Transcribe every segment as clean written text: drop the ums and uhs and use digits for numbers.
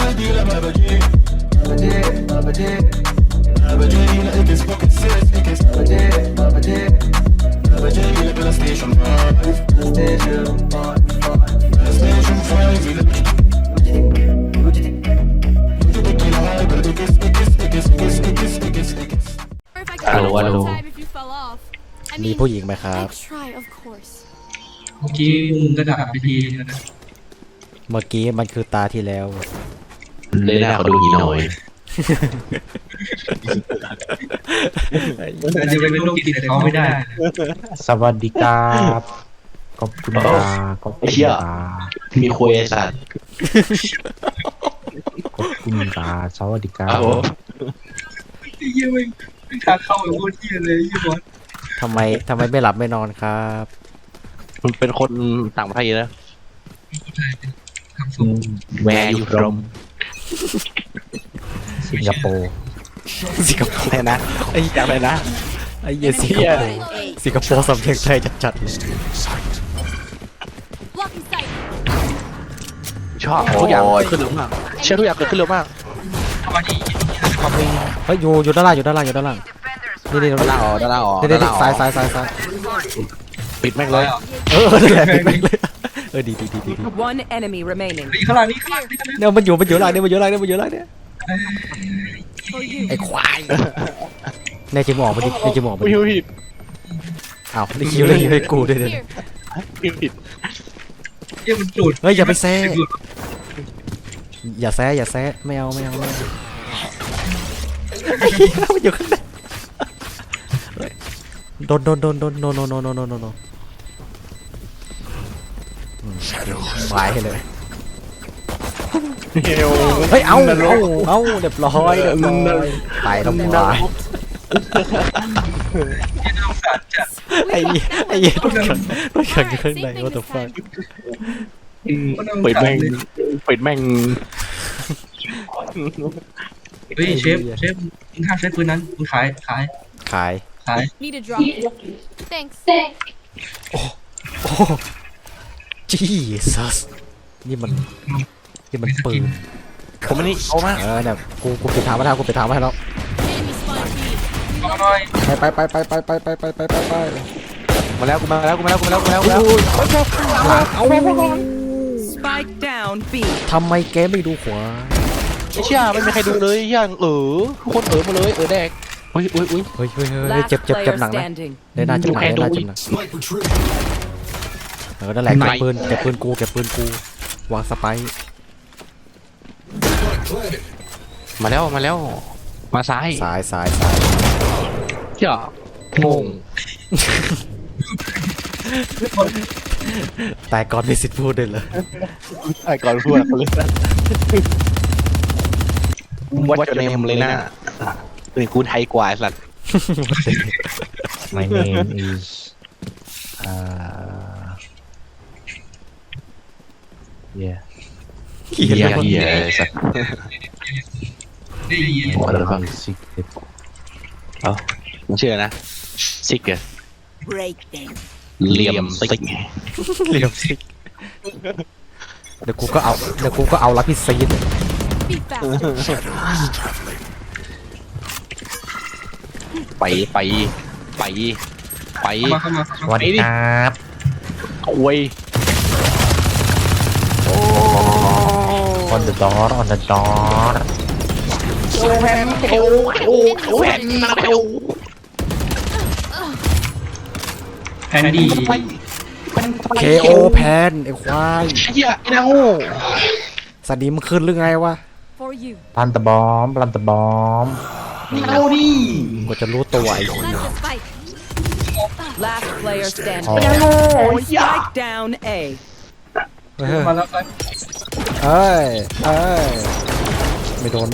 ฮัลโหลฮัลโหลมีผู้หญิงไหมครับเมื่อกี้มึงก็ด่าไปทีนึงนะเมื่อกี้มันคือตาที่แล้วเลยหน้าเขาดูหีหน่อยมันอาจจะเป็นโรคจิตแต่เขาไม่ได้สวัสดีครับขอบคุณครับขอบคุณครับมีคุยไอ้สัตว์ขอบคุณครับสวัสดีครัอ้าบวไอ้เหี้ยไม่ทางเข้าแบบโคตรเหี้ยเลยไอ้เหี้ยบอสทำไมไม่หลับไม่นอนครับมันเป็นคนต่างประเทศนะทำสูงแวร์อยู่รมสิงคโปร์สิงคโปร์อะไรนะไอ้อย่างไรนะไอ้เหี้ยสิงคโปร์สิงคโปร์สำเนียงไทยจัดๆเลยชอบทุกอย่างเกิดขึ้นเร็วมากเชื่อทุกอย่างเกิดขึ้นเร็วมากเข้ามาดีเฮ้ยอยู่ด้านล่างนี่ด้านล่างอ๋อด้านล่างอ๋อนี่ซ้ายปิดแม่งเลยนั่นแหละปิดแม่งเลยดี One enemy remaining. ข้างล่างนี่ข้างล่างนี่ข้างล่างเนี่ยมันอยู่ล่างเนี่ยไอ้ควายในจิมออกไปดิในจิมออกไปดิผิดอ้าวนี่คิวเลยให้กูด้วยเนี่ยผิดเหี้ยมันจุดเฮ้ยอย่าไปแซ่อย่าแซะไม่เอามันอยู่ข้างในโดนโนหมายให้เลยเฮลเฮ้ยเอาเรียบร้อยตายแล้วควายที่น่าสงสารจัดไอ้รถขังอยู่ข้างใน what the fuck ปิดแม่งเฮ้ยเชฟมึงห้ามใช้ปืนนั้นมึงขายขาย Need a drop. Thanks. โอ้ Jesus นี่มันปืนผมไม่นี่เอามาเนี่ยกูปิดทางไว้แล้ว Enemy spawn B. มาหน่อยไปมาแล้วกูมาแล้ว Spike down B. ทำไมแกไม่ดูขวาไอ้เชี่ยไม่มีใครดูเลยยังทุกคนมาเลยแดกอุ้ยเฮ้ย Last เจ็บ player หนักนะ standing. ได้น่าเจ็บหนักนั่นแหละเก็บปืนกูวางสไปร์มาแล้วมาซ้ายสายเชี่ยงงแต่ก่อนมีสิทธิ์พูดเลยเหรอไอ้ก่อนพูดเลยวัดจะเนมเลยนะเป็นกูไทยกว่าสัตว์ My name is เฮียสัตว์ได้ยินอะไรบ้าง secret เชื่อนะซิกเกอร์ Break them. เหลี่ยมซิกเหลี่ยมสิเดี๋ยวกูก็เอาลักพี่ซีน Be faster. ไปเข้ามาสวัสดีครับโอ้ย on the door แผ่นมาเร็วแพนดี KO แพนไอ้ควายเฮียไอ้นางโง่สนิมขึ้นหรือไงวะ For you. ลันตะบอมเอาดิกูจะรู้ตัวไอ้ Plant the spike. Last player standing. อ๋อ Spike down A. มาแล้วครับเอ้ยไม่โดน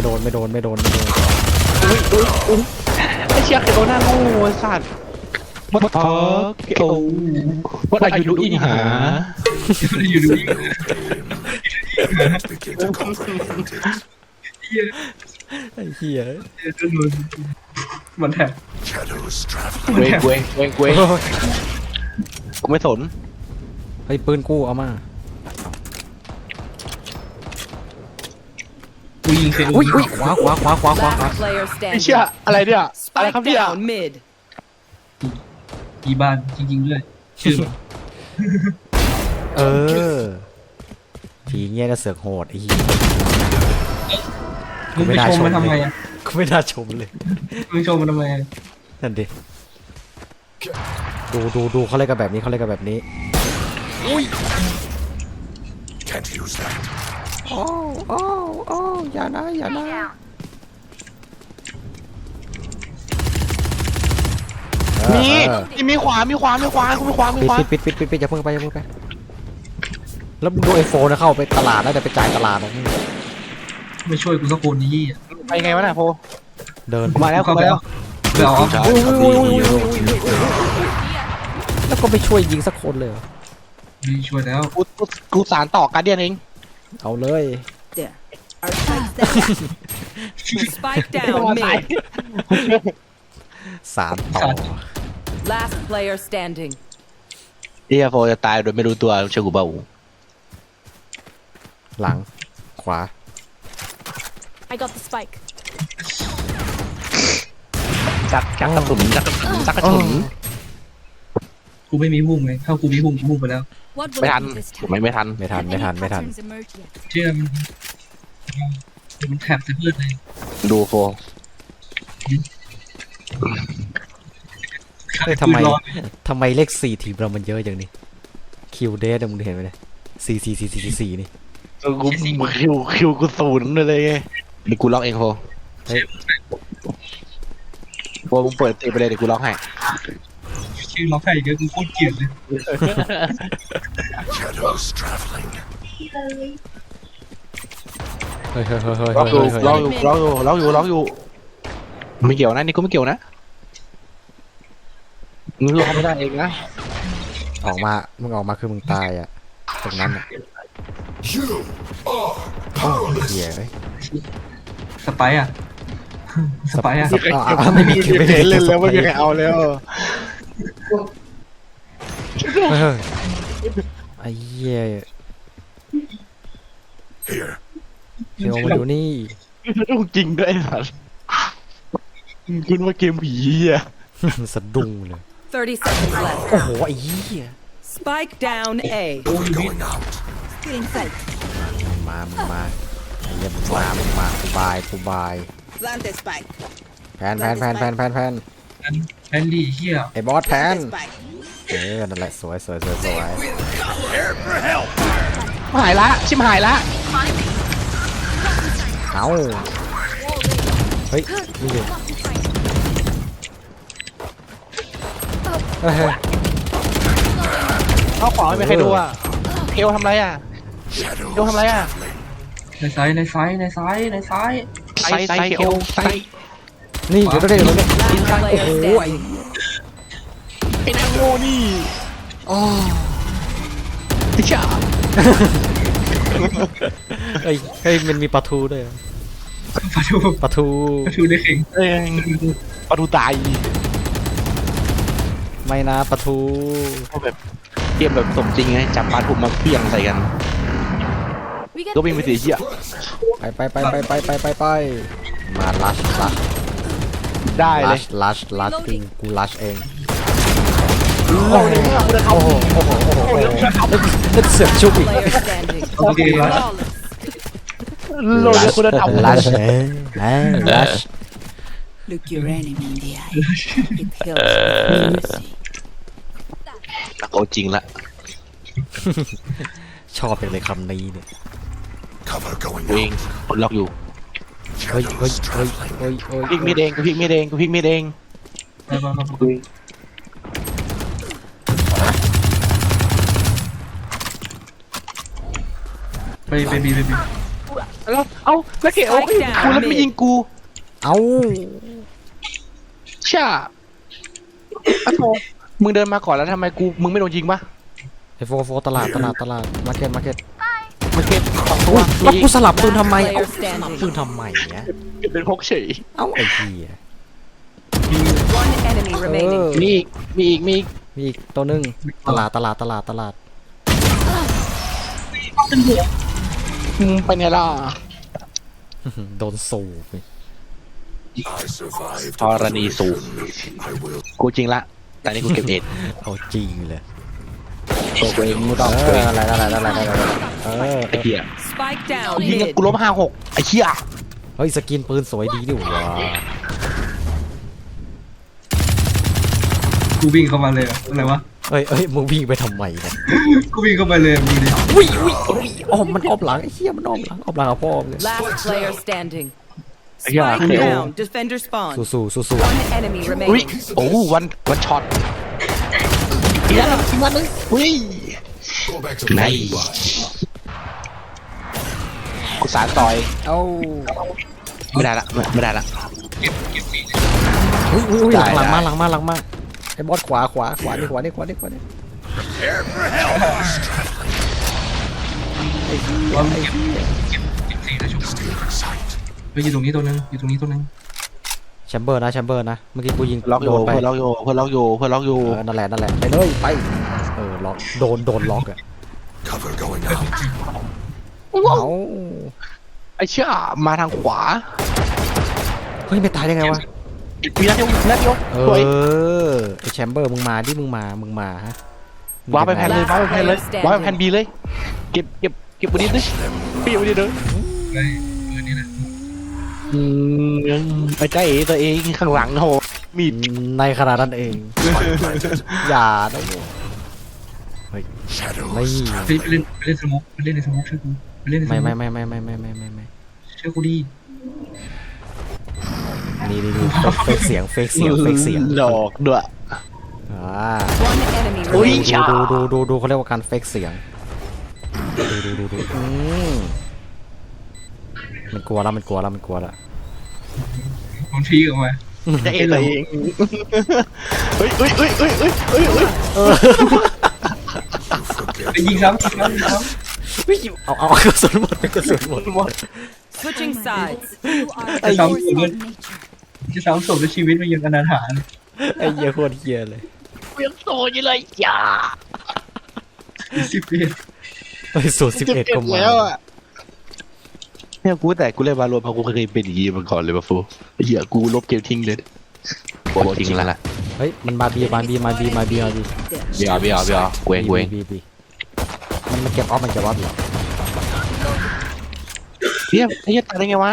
ไอ้เชี่ยไอ้ตัวหน้าโง่สัตว์วัดพอโอ้วัดอายุดูอิงหาอยู่ดูไอ้เหี้ยมันแทบเว้งกูไม่สนไอ้ปืนกูเอามายิงเคโออุ้ยขวา Last player ไอ้เชี่ย standing. อะไรเนี่ยอะไรครับ Spike เนี่ย down mid. อีบ้านจริงๆด้วยชื่อเออทีเงี้ยก็เสือกโหดไอ้เหี้ยมึงไปชมมันทำไมอ่ะกูไม่น่าชมเลยมึงชมมันทำไมอ่ะนั่นดิดูเขาเล่นกันแบบนี้เขาเล่นกันแบบนี้ Can't use that. โอ้อย่านะมีขวาคุณมีขวามีขวาปิดอย่าเพิ่งไปแล้วมึงดูไอโฟนนะเข้าไปตลาดแล้วแต่ไปจ่ายตลาดนะไม่ช่วยกูสักคนนี่ไปไงวะน่ะโพเดินมาแล้วเข้าไปมาแล้วไปเอาแล้วก็ไปช่วยยิงสักคนเลยเหรอไม่ช่วยแล้วกูสารต่อการเดียนเองเอาเลย There. Our spike's down. Spike down mid. สามต่อ Last player standing. เฮียโฟจะตายโดยไม่รู้ตัวเชื่อกูเปล่าหลังขวา I got the spike. จักกระสุนจักกระสุนกูไม่มีพุ่มไงถ้ากูมีพุ่มกูพุ่มไปแล้ว What ไม่ will ทัน I do this ผม time? ไม่ทันไม่ทัน Any patterns emerge yet? เชื่อมันแถบจะพืชเลยดูโฟเฮ้ยทำไมเลข4ทีมเรามันเยอะอย่างนี้คิวเดสมึงเห็นไหมเนี่ย4นี่กูคิวกูศูนย์เลยไงเดี๋ยวกูล็อกเองโฟโฟมึงเปิดตีไปเลยเดี๋ยวกูล็อกให้ชื่อล็อกให้เยอะกูโคตรเกลียดเลย Shadows traveling. เฮ้ยล็อกอยู่ไม่เกี่ยวนะนี่กูไม่เกี่ยวนะมึงล็อกไม่ได้เองนะออกมาคือมึงตายอ่ะตรงนั้นอ่ะ You are โอ้เหี้ยเอ้ยสไปอ่ะสไปอ่ะไม่มีคิวเห็นเล่นแล้วไม่มีใครเอาแล้วไอ้เหี้ย here. เดี๋ยวมาดูนี่ต้องจริงด้วยสัสคุณว่าเกมผีอ่ะสะดุ้งเลย 30 seconds left. โอ้โหไอ้เหี้ย Spike down A. Going out. Get inside. มึงมาไอ้เหี้ยมึงมากูบาย Plant the spike. แพนแพนดี้เฮียไอ้บอสแพน Spike. นั่นแหละสวยหายละชิมหายละเอาเฮ้ยนี่ดิเฮ้ยเอาของไม่มีใครดูอ่ะเอลทำไรอ่ะเอลทำไรอ่ะในซ้ายไซเอลไซนี่เดี๋ยวเนี่ย Last player standing. ไอ้นางโง่นี่ไอ้ชาเฮ้ยมันมีปลาทูด้วยปะทูปลาทูได้เข่งเอ้ยปลาทูตายไม่นะปลาทูแบบเกมแบบสมจริงไงจับปลาถูกมาเพี้ยงใส่กัน We get ก็วิ่งไปสีเหี้ยไปมาลัชได้เลยกูลัชเองโอ้โหโอ้โหโอ้โหโอ้โหนั่นเสือกชุบอีก Player standing. โอเคแล้ว flawless. โลดคุณธรรมลัชลัช Look your enemy in the eye. It helps. เอาจริงละชอบเป็นเลยคำนี้เนี่ย Cover going วิ่ง out. คนล็อกอยู่เฮ้ยพลิกมีดเองกูพลิกมีดเองกูพลิกมีดเองไปบีแล้วเอ้าแล้วเก๋โอ้ยกูแล้วไม่ยิงกูเอาช่าอะโถมึงเดินมาก่อนแล้วทำไมมึงไม่โดนยิงปะไอโฟตลาดมาร์เก็ตมาเก็ตสองตัวแล้วกูสลับปืนทำไม Player standing. ปืนทำไมเนี่ยเป็นพกเฉยเอ้าไอ้เหี้ย One enemy remaining. มีอีกมีอีกตัวนึงตลาดไปเนี่ยล่ะโดนสูบ I survived. ธรณีสูบ I will. กูจริงละแต่นี่กูเก็บเอ็ดเอาจริงเลยตัวเองไม่ต้องอะไรไอ้เหี้ย Spike down ยิง mid. กูล้ม5-6ไอ้เหี้ยเฮ้ยสกินปืนสวยดีดิวะกูวิ่งเข้ามาเลยอะอะไรวะเอ้ยมึงวิ่งไปทำไมเนี่ยกูวิ่งเข้าไปเลยมึงดิอุ้ยอ้อมมันอ้อมหลังไอ้เหี้ยมันอ้อมหลังเอาพ่อเลย Last player standing. Yeah, Spike okay. down. Defender spawn. สู้ One enemy อุ้ย remaining. โอ้วันช็อตอีกแล้วอีกวันนึงอุ้ย Go back to ไหน the กูสารต่อยเอ้าไม่ได้ละไม่ได้ละอุ้ยได้หลังมาได้หลังมาไอ้บอสขวานี่ว่ามึงเก็บสี่นะชุบไปอยู่ตรงนี้ตัวนึงอยู่ตรงนี้ตัวนึงแชมเบอร์นะเมื่อกี้กูยิงล็อกโยโดนไปเพื่อนล็อกโยเพื่อนล็อกโยเพื่อนล็อกโยนั่นแหละไปเลยไปล็อกโดนล็อกอะ cover going out. เอ้าไอ้เชี่ยมาทางขวาเฮ้ยไม่ตายได้ไงวะมีนัดเดียวสวยไอ้แชมเบอร์มึงมาดิมึงมาฮะว้าไปแพนเลยว้าไปแพนเลยว้าไปแพนบีเลยเก็บบนนี้ดิพี่บนนี้เด้อไปนี่แหละไอ้ใจเอ๋ตัวเองข้างหลังโหมีดในขนาดนั้นเอง อย่านะเฮ้ย Shadows ไม่ไปเล่นสโมกไปเล่นในสโมกเชื่อกูไปเล่นในสโมกไม่เชื่อกูดินี่เฟกเสียงหลอกด้วย One enemy อุ้ย remaining. ชาดูเขาเรียกว่าการเฟกเสียงดูมันกลัวแล้วมันพีออกมาใจเอ๋ตัวเองเฮ้ยไปยิงซ้ำเอากระสุนหมด Switching sides. You are Hey, a force you of good? nature. จะซ้ำศพในชีวิตมันยังอนาถาไอ้เหี้ยโคตรเหี้ยเลยเวียงโตอยู่เลยอย่าสิบปีเฮ้ยสูตร11ก็มาแล้วอ่ะเนี่ยกูแต่กูเล่นวาโลเพราะกูเคยเป็นอย่างนี้มาก่อนเลยป่ะฟูเหี้ยกูลบเกมทิ้งเลยโอ้ทิ้งแล้วล่ะเฮ้ยมันมาบีเบียร์เกวงมันเก็บออฟอยู่เฮียไอ้เหี้ยตายได้ไงวะ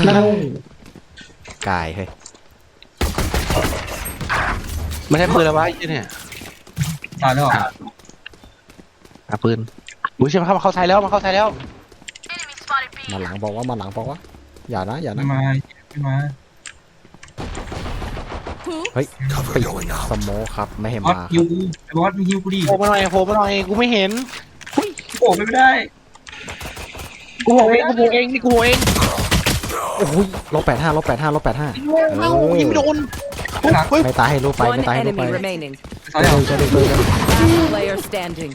กายเฮ้ยไม่ใช่ปืนแล้ววะไอ้เหี้ยเนี่ยตายแล้วเหรอปืนอุ้ยใช่ไหมครับมาเข้าไทยแล้วมาหลังบอกว่าอย่านะไม่มาเฮ้ย cover ปิด going ส out. โมครับไม่ให้บอสมาฮิวกูไอ้บอสมึงฮิวกูดิโผล่มาหน่อยกูไม่เห็นโอ้ไม่ได้กูโผล่เองนี่กูโผล่เองโอ้ย-85 เอ้ายิงไม่โดนไม่ตายให้รู้ไป One enemy remaining. ตายแล้ว Last player standing.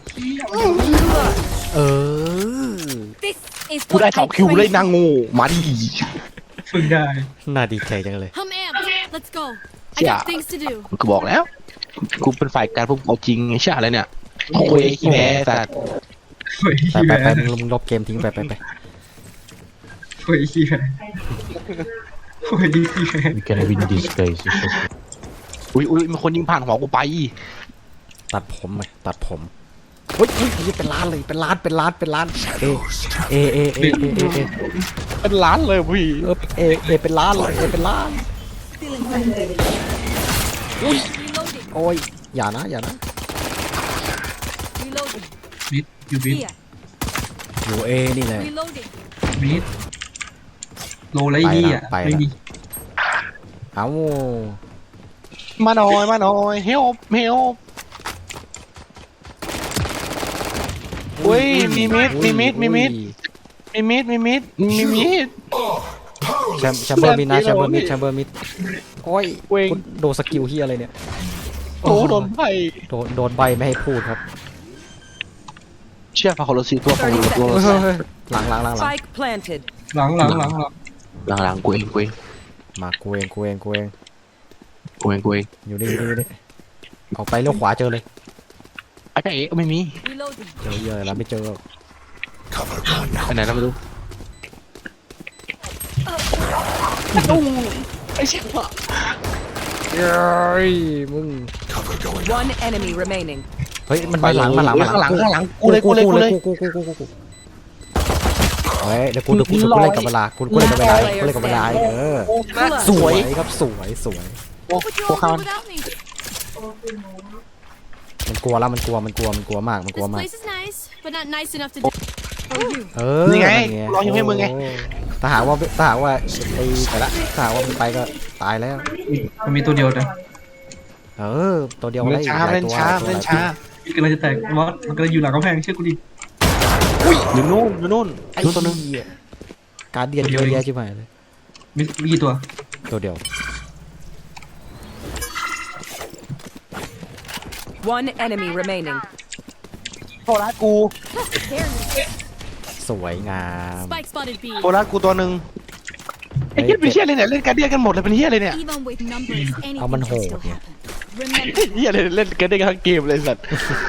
This is กูได้ what 2 คิว I เลย trained นางงูมาดิฝึกได้น่าดีใจจังเลย for. I'm amped. Let's go. I Yeah. got things to do. กูบอกแล้วกูเป็นฝ่ายการพวกเอาจริงไอ้เชี่ยอะไรเนี่ยโอ้ยขี้แพ้สัตว์เฮ้ยไปมึงลบเกมทิ้งไปเฮ้ยขี้แพ้เฮ้ยขี้แพ้ We can win this guys. อุ้ยมีคนยิงผ่านหัวกูไปตัดผมเฮ้ยเป็นล้านเลยเป็นล้านเอเป็นล้านเลยพี่เป็นล้านเลยเป็นล้าน Reloading. โอ้ยอย่านะ Reloading. มิดอยู่มิด Here. อยู่เอนี่แหละ Reloading. มิดโลไรดีอ่ะไม่มีเอ้ามาหน่อยเฮลอุ้ยมีมิดแชมเบอร์มิดนะแชมเบอร์มิดโอ้ยโดนสกิลเฮียอะไรเนี่ยโอ้โดนไพ่โดนใบไม่ให้พูดครับเชื่อพาโคโลซีตัวของตัวหลัง Spike planted. หลังหลังกูเองมากูเองอยู่นี่ออกไปเลี้ยวขวาเจอเลยไอ้เอ๋ไม่มี Reloading. เจอเยอะแล้วไม่เจอ Cover going out. อันไหนเราไม่รู้ไอ้เชี่ยเฮ้ยมึง Cover going out. One enemy remaining. เฮ้ยมันมาหลังมาหลังมาหลังข้างหลังกูเลยกูเฮ้ยเดี๋ยวกูเล่นกับเวลากูเล่นกับเวลากูเล่นกับเวลาสวยครับสวยโอ้ Would you โห all ข้า do ว without me? มันกลัวแล้วมันกลัวมาก This place is nice, but not nice enough to do for you. นี่ไงรออยู่ให้มึงไงถ้าหากว่าไอ้แต่ละถ้าหากว่ามันไปก็ตายแล้วมันมีตัวเดียวนะตัวเดียวเล่นช้าเล่นช้าพี่กำลังจะแตกมอสมันกำลังอยู่หลังกำแพงเชื่อกูดิอยู่นู่นไอ้ตัวนึงการเดียนเยอะแยะชิบหายเลยมีกี่ตัวตัวเดียว One enemy remaining. โทรกู There you สวยงาม Spike spotted B. โทรกูตัวหนึ่งไอ้เหี้ยเป็นเหี้ยเลยเนี่ยเล่นการเดียนกันหมดเลยเป็นเหี้ยเลยเนี่ย Even with numbers, anything Aman can still hold, yeah. happen. Remember, เหี้ยเลยเล่นการเดียนกันทั้งเกมเลยสัตว์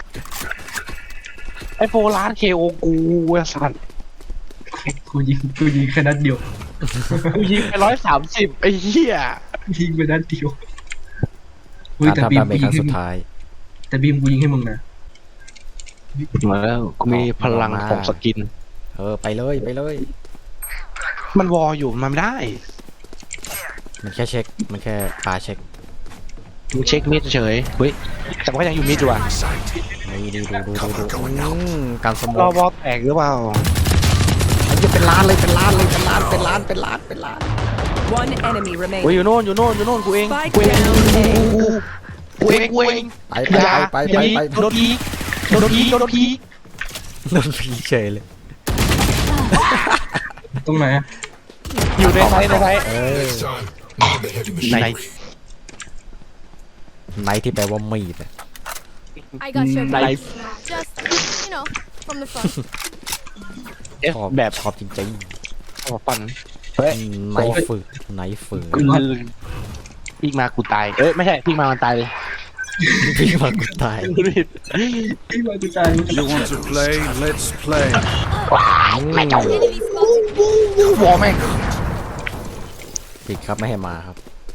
ไอ้โฟร้านเคโอกูสัตว์กูยิงแค่นัดเดียวกูยิงไป130ไอ้เหี้ยยิงไปนัดเดียวอุ้ยการแต่ทำบีมดาเมกูจคยิรั้งงให้สุดมึงท้ายแต่บีมกูยิงให้มึงนะมาแล้วกูมีพลังของสกินไปเลยมันวออยู่มันไม่ได้มันแค่เช็คมันแค่ปาเช็คมึงเช็คมิดเฉยเฮ้ยแต่มันก็ยังอยู่มิดอยู่อ่ะนี่ดูการสมรออง บอแตกหรือเปล่าไอ้เหี้ยเป็นล้านเลยเป็นล้าน One enemy โอ้ย remaining. อยู่โน่นกูเอง Spike กูเอง down A. กูเองไปโดนพีโดนพีโดนผีเฉยเลยตรงไหนอะอยู่ในไทย Next time, on the heavy ไหน machine. ไนท์ที่แปลว่ามีด I got your ไหน back. Just, from the front. แบบชอบจริงขอฟันเฮ้ยๆไนท์ฝึกกูพี่มากูตายไม่ใช่พี่มามันตายเลยพี่มากูตายพี่มากูจ่าย You want to play? Let's play. Enemy spotted. วอแม่งปิดครับไม่ให้มาครับ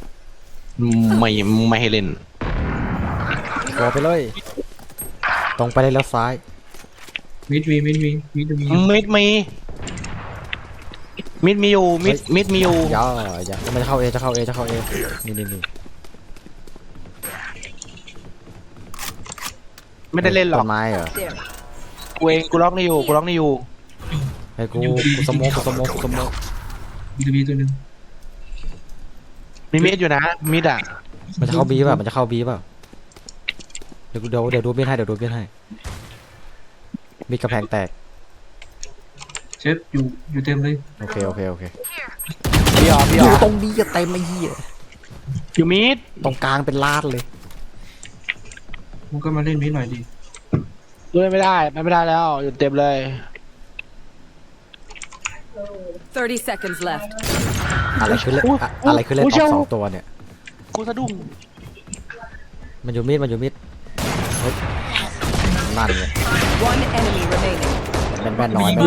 ไม่ให้เล่นกอไปเลย ตรงไปเลยแล้วซ้ายมิดมีมิดมีอยู่มิดมีอยู่อย่ามันจะเข้าเอนี่ไม่ได้เล่นหรอกต้นไม้เหรอ There. กูเองกูล็อกนี่อยู่ให้กูสโมกมีตัวหนึ่งมีมิดอยู่นะมิดอ่ะมันจะเข้าบีป่ะเดี๋ยวดูเบี้ยนให้มีกระแพงแตกเชฟอยู่เต็มเลยโอเคพี่อ๋ออยู่ตรงนี้จะเต็มไอ้เหี้ยอยู่มิดตรงกลางเป็นลาดเลยมึงก็มาเล่นมิดหน่อยดิด้วยไม่ได้แล้วอยู่เต็มเลย 30 seconds left. อะไรคือเล่นออก2ตัวเนี่ยกูสะดุ้งมันอยู่มิดเฮ้ยนั่นเนี่ย One enemy remaining. แม่นน้อย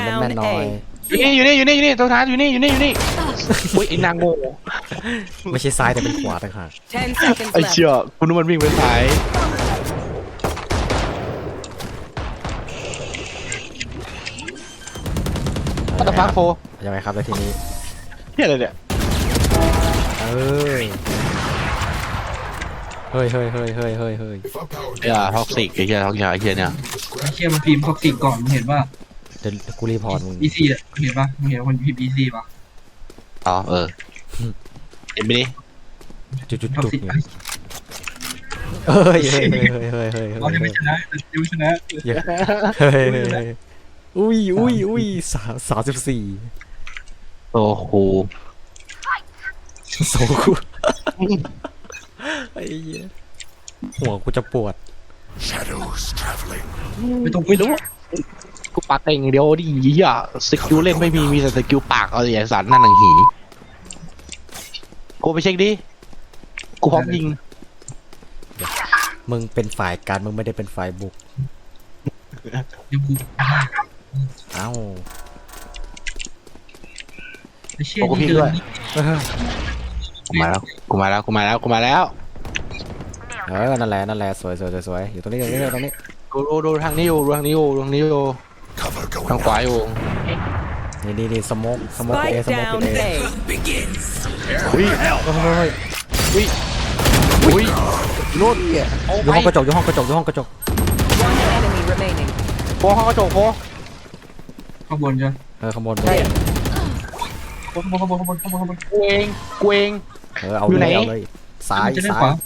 อยู่นี่ตัวท้ายอยู่นี่อุ้ยไอ้นางโง่ไม่ใช่ซ้ายแต่เป็นขวาต่างหาก 10 seconds ไอ้ left. เชี่ยคุณมันวิ่งไปซ้ายอัตฟักโฟยังไงครับแล้วทีนี้เฮียอะไรเนี่ยเฮ้ย If our power อย่าท็อกซิกไอ้เหี้ยท็อกซิกไอ้เหี้ยเนี่ยไอ้เชี่ยมันพิมพ์ท็อกซิกก่อนมึงเห็นว่าเดี๋ยวกูรีพอร์ตมึง EC อ่ะมึงเห็นปะมึงเห็นคนพิมพ์ EC ปะอ๋อเห็นไหมดิจุดท็อกซิกเนี่ยเฮ้ยเราจะไม่ชนะจะไม่ชนะอุ้ย34 โอ้โหโซกูไอ้เหี้ยหัวกูจะปวด shadows traveling. ไม่รู้กูปากเองเดียวดิเหี้ยสกิลเล่นไม่มีแต่สกิลปากเอาไอ้สันนั่นหนังหีกูไปเช็คดิกูพร้อมยิงมึงเป็นฝ่ายการมึงไม่ได้เป็นฝ่ายบุกเดี๋ยวกูเอ้าไอ้เชี่ยโอ้กูพิงนี่ด้วยเออกูมาแล้วกูมาแล้วกูมาแล้วกูมาแล้วนั่นแหละนั่นแหละสวยสวยสวยสวยอยู่ตรงนี้ตรงนี้ตรงนี้ดูทางนี้อยู่ดูทางนี้อยู่ดูทางนี้อยู่ Cover ทาง going ขวา out. อยู่นี่สโมกเอสโมก Spike เอ down A. อุ้ยเฮ้ยอุ้ยนู่นโอ้อยู่ห้องกระจกอยู่ห้องกระจกอยู่ห้องกระจก One enemy remaining. โฟห้องกระจกโฟข้างบนใช่ไหมข้างบนข้างบนข้างบนข้างบนข้างบนข้างบนกูเองกูเองเอาอยู่เลไหนยเอาเลยซ้ายจะได้ซ้าขวาย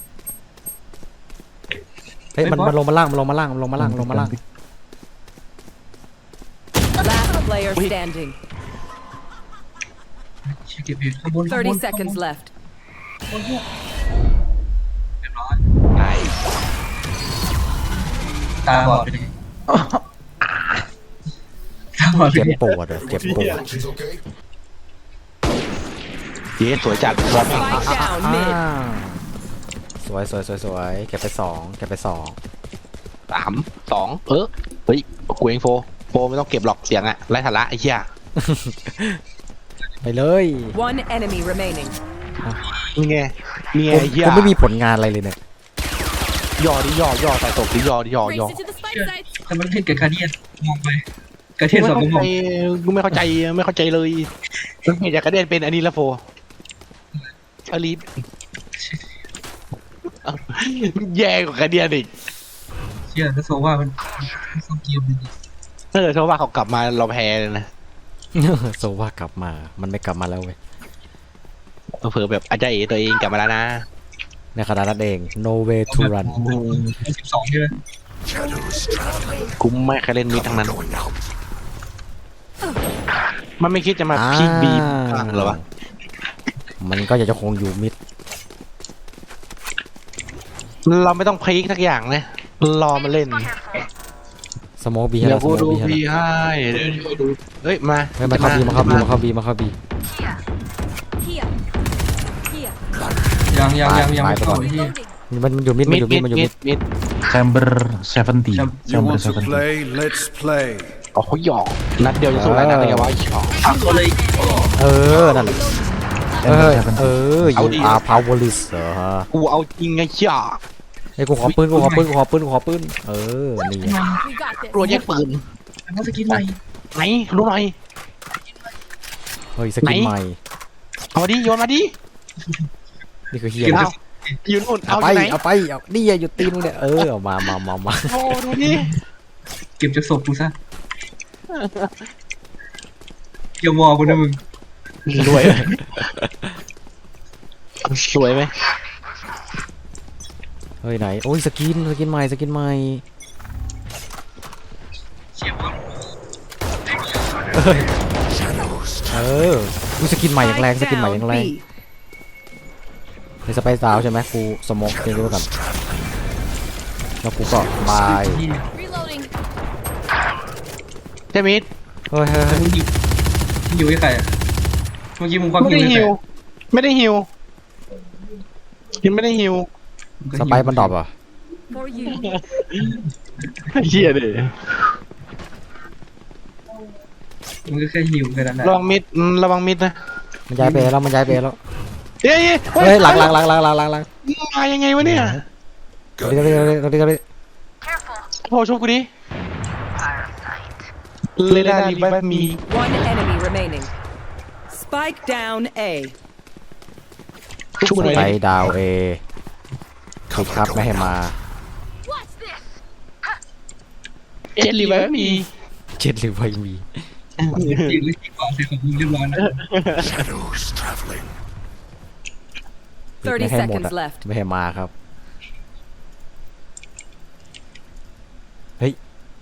เฮ้ยมันไอ้บอสมันลงมาล่างมันลงมาล่างมันลงมาล่างลงมาล่าง Last player standing. เช็คเก็บเพจข้างบนข้างบน 30 seconds left. เรียบร้อยไอ้ตาบอดไปเลยตาบอดไปเจ็บเลยปวดอะเจ็บปวด She's okay. เย้สวยจัดบอล Spike down mid. สวยสวยสวยสวยเก็บไปสองเก็บไปสอง 3 2เฮ้ยกูเองโฟไม่ต้องเก็บหรอกเสียงอะไร้สาระไอ้เหี้ยไปเลย One enemy remaining. นี่ไงนี่ไงไอ้เหี้ยผมไม่มีผลงานอะไรเลยเนี่ยย่อดิย่อใส่ตกดิย่อ Race it to the spike sites. แต่มันเล่นกับคาเดียนมองไปคาเดียนสองมองกูไม่เข้าใจเลยมันเห็นจากกระเด็นเป็นอันนี้ละโฟอลีฟแย่กว่ากระเดียนอีกเชื่อถ้าโซว่ามันซ่อมเกมดีถ้าเกิดเขาว่าเขากลับมาเราแพ้เลยนะโซว่ากลับมามันไม่กลับมาแล้วเว้ยเผื่อแบบอาจารย์เอตัวเองกลับมาแล้วนะในขณะนั้นเอง no way to run 12ใช่ไหม Shadows traveling. กูไม่เคยเล่นมิดทั้งนั้น Going out. มันไม่คิดจะมาพีคบีบ้างเหรอวะมันก็อยากจะคงอยู่มิดเราไม่ต้องพีคทักอย่างเลยรอมาเล่นสโมกบีให้เดี๋ยเราวสกูโมกดูบีให้พีเราให้เดี๋ยวดูเฮ้ยมาเฮ้ยมาเข้าบีมาเข้าบีมาเข้าบีมาเข้าบี Here. Here. ยังไม่เข้าไอ้ที่ Loading. มันอยู่มิดมันอยู่มิดมันอยู่มิดมิด Chamber 70 You Chamber want to 70 play? Let's play. อ๋อเขาหยอกนัดเดียวจะสู้หลายนัดได้ไงวะหยอกก็เลยนั่นแหละอยู่อาพาวเวอร์ลิสเหรอฮะกูเอาจริงไงเชี่ยไอ้กูขอปืนนี่ We got this. รัวแยกปืนแล้วสกินใหม่ไหนรู้หน่อยเฮ้ยสกินใหม่เอามาดิโยนมาดินี่คือเฮียเอาอยู่นู่นเอาเอาไปที่ไหนเอาไปเอานี่หยุดตีนเนี่ยเอามาโอ้ดูดิเก็บจากศพกูซะเกี่ยวมอกูนะมึงรวยสวยไหมเฮ้ยไหนโอ้ยสกินใหม่เชี่ยมอดูสกินใหม่อย่างแรงสกินใหม่อย่าง Down แรง B. ในสไปซ์ดาวใช่ไหมกูสโมกเองด้วยกันแล้วกูก็บาย Reloading. เจมิดเฮ้ยมึงหิวให้ใครอ่ะเมื่อกี้มึงควักไม่หิวได้ให้ใครฮิวไม่ได้ฮิวสไปซ์มันดรอปอ่ะ For you. เฮียดิมึงก็แค่หิวแค่นั้นแหละระวังมิดนะมันย้ายไปแล้วเฮ้ยเฮ้ยหลังมายังไงวะเนี่ยตรงนี้โอ้โชคกูดิเลน่ารีบัตมี One enemy remaining. Spike down A. ช่วยหน่อยไปดาวเอถูกครับไม่ให้มา What's this? เจ็ดรีบัตมีเจ็ดหรือไม่มีจริงหรือจริงกว่าเสร็จของมึงเรียบร้อยนะ Shadows traveling. ไม่ 30 ให้หมด seconds อะ left. ไม่ให้มาครับเฮ้ย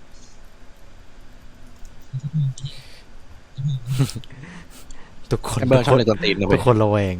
ทุกคนเบอร์ชอบเลยตอนตีนนะเว้ทุยกคนระแวง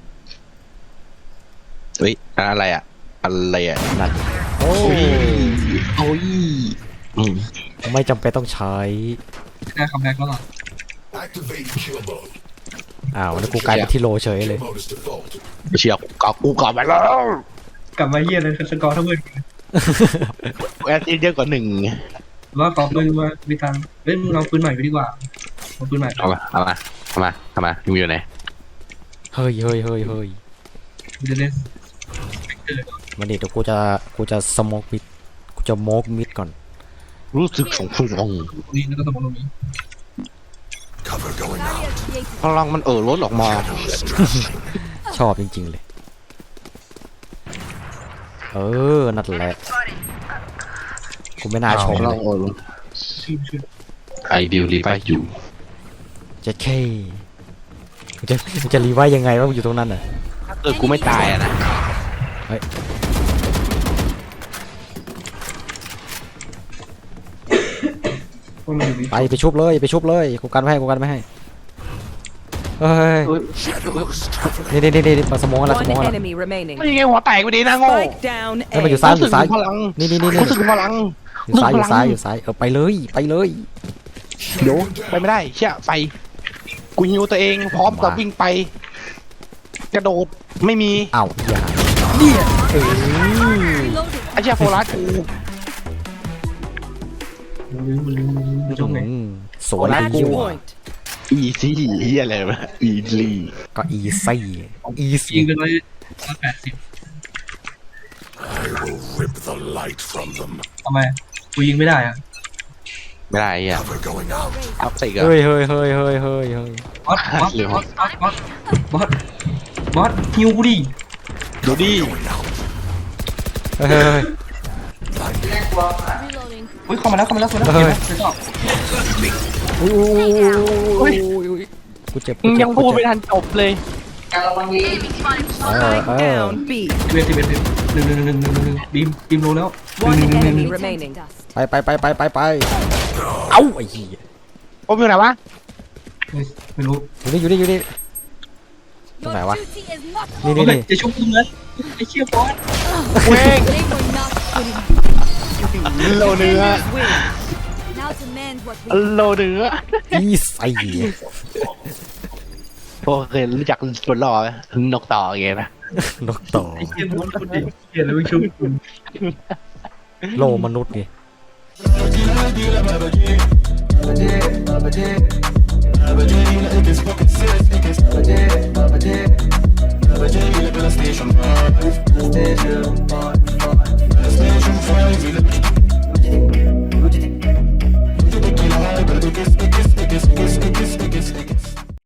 เฮ้ยอะไรอ่ะนั่นโอ้ยไม่จำเป็นต้องใช้ได้คัมแบ็กแล้วเหรอ Activate kill mode. อ้าวแล้วกูกลายเป็นที่โลเฉยเลย Kill mode is default. เชียร์กูกลับไปแล้วกลับมาเฮียเลยสกอร์เท่าเพื่อนแอดเยอะกว่า1 ว่าขอปืนมามีตังค์เฮ้ยมึงเอาปืนใหม่ไปดีกว่าเอาปืนใหม่เอามาทำไมมึงอยู่ไหนเฮ้ยเฮ้ยเฮ้ยเฮ้ยกูจะเล่นมันเดี๋ยวกูจะสโมกมิดกูจะโมกมิดก่อนรู้สึกสงสารตรงนี้แล้วก็ตรงนี้ Cover going out. Barrier created. พลังมันล้นออกมา Shadows traveling. ชอบจริงๆเลยนั่นแหละกูไม่น่าชมพลัเลงยล้นชื่อไอเดียรีไปอยู่เจ็ดเคมึงจะรีไว้ยังไงว่ามึงอยู่ตรงนั้นน่ะกูไม่ตายอะนะพวกมันอยู่นี่ไปชุบเลยกูกันไม่ให้เฮ้ย Shadows traveling. นี่มาสโมกอะไรส One โมกอะไร enemy remaining. ไม่ยังไงหัวแตกไปดีนะโง่ Spike down เฮ้ย A. มันอยู่ซ้ายรู้สึกถึงพลังนี่รู้สึกถึงพลังอยู่ซ้ายไปเลยเดี๋ยวไปไม่ได้เชี่ยไฟกูฮิวตัวเองพร้อมกับวิ่งไป กระโดดไม่มีอ้าวอย่า Reloading. ไอ้เชี่ยโฟลัสกูอยู่ตรงไหนสวย Match ดีว่ะ point. อีซี่เฮียอะไรวะอีลี่ก็อีซี่ยิงกันเลย180 I will rip the light from them. ทำไมกูยิงไม่ได้อะไม่ได้อ่ะ Cover going out. ทับสิกอะเฮ้ยบอสฮิวกูดิดูดิ Going out. เฮ้ย Reloading. เฮ้ยเข้ามาแล้วสวยแล้วเฮ้ยเดี๋ยวต่อกูเจ็บมึงยังพูดไม่ทันจบเลย Spike down B. 11 1บีมโลแล้ว One enemy Return to remaining. dust. ไปเอ้าไอ้เหี้ยโอ้ยอยู่ไหนวะไม่รู้อยู่นี่ Your Này quá. duty is not นี่เฮ้ยจะชุบกูเลยไอ้เชี่ยบอสเว้ง They were not good enough. โลเนื้อ Now demand what we โลเนื้ออีซี่โอเครู้จักบนล้อไหมนกต่อไงนะนกต่อไอ้เชี่ยบอสคนดิเชี่ยแล้วไม่ชุบกูโลมนุษย์ไง Station